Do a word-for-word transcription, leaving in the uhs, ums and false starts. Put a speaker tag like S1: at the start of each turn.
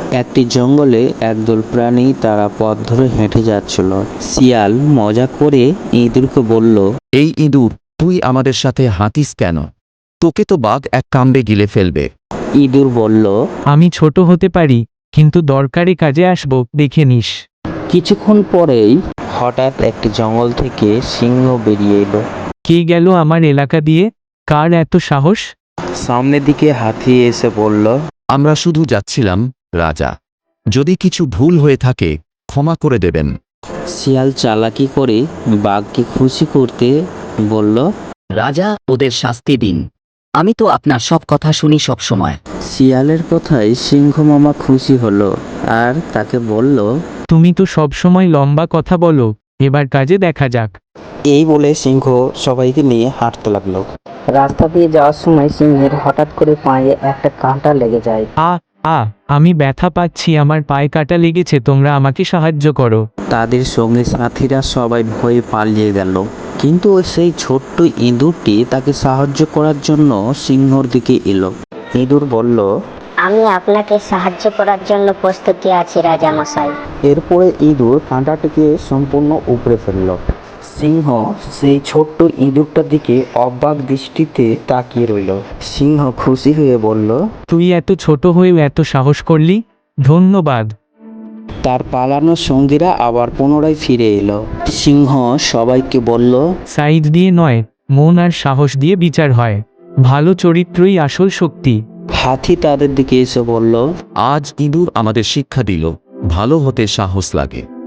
S1: একটি জঙ্গলে একদল প্রাণী তারা পথ ধরে হেঁটে যাচ্ছিল। শিয়াল মজা করে ইঁদুরকে বলল,
S2: এই ইঁদুর, তুই আমাদের সাথে হাঁটিস কেন? তোকে তো বাঘ এক কামড়ে গিলে ফেলবে।
S1: ইঁদুর বলল,
S3: আমি ছোট হতে পারি, কিন্তু দরকারি কাজে আসবো, দেখে নিস।
S1: কিছুক্ষণ পরেই হঠাৎ একটি জঙ্গল থেকে সিংহ বেরিয়ে এলো।
S3: কে গেল আমার এলাকা দিয়ে? কার এত সাহস?
S1: সামনের দিকে হাতি এসে বলল,
S2: আমরা শুধু যাচ্ছিলাম, রাজা। যদি কিছু ভুল হয়ে থাকে, ক্ষমা করে দেবেন।
S1: শিয়াল চালাকি করে বাঘকে খুশি করতে বলল,
S4: রাজা, ওদের শাস্তি দিন। আমি তো আপনার সব কথা শুনি সব সময়।
S1: শিয়ালের কথায় সিংহ মামা খুশি হলো আর তাকে বলল,
S3: তুমি তো সবসময় লম্বা কথা বলো, এবার কাজে দেখা যাক।
S1: এই বলে সিংহ সবাইকে নিয়ে হাঁটতে লাগলো।
S5: রাস্তা দিয়ে যাওয়ার সময় সিংহের হঠাৎ করে পায়ে একটা কাঁটা লেগে যায়।
S3: আ আ আমি ব্যথা পাচ্ছি, আমার পায়ে কাটা লেগেছে, তোমরা আমাকে সাহায্য করো।
S1: তাদের সঙ্গে সাথীরা সবাই ভয়ে পালিয়ে গেল, কিন্তু ওই সেই ছোট্ট ইঁদুরটি তাকে সাহায্য করার জন্য সিংহর দিকে এলো। ইঁদুর বলল,
S6: আমি আপনাকে সাহায্য করার জন্য প্রস্তুতি আছি রাজামশাই।
S1: এরপরে ইঁদুর কাঁটাটিকে সম্পূর্ণ উপড়ে ফেলল। সিংহ সেই ছোট্ট ইঁদুরটার দিকে অবাক দৃষ্টিতে তাকিয়ে রইল। সিংহ খুশি হয়ে বলল,
S3: তুই এত ছোট হয়েও এত সাহস করলি, ধন্যবাদ।
S1: তার পালানোর সঙ্গীরা আবার পুনরায় ফিরে এলো। সিংহ সবাইকে বলল,
S3: সাইজ দিয়ে নয়, মন আর সাহস দিয়ে বিচার হয়। ভালো চরিত্রই আসল শক্তি।
S1: হাতি তাদের দিকে এসে বলল,
S2: আজ ইঁদুর আমাদের শিক্ষা দিল, ভালো হতে সাহস লাগে।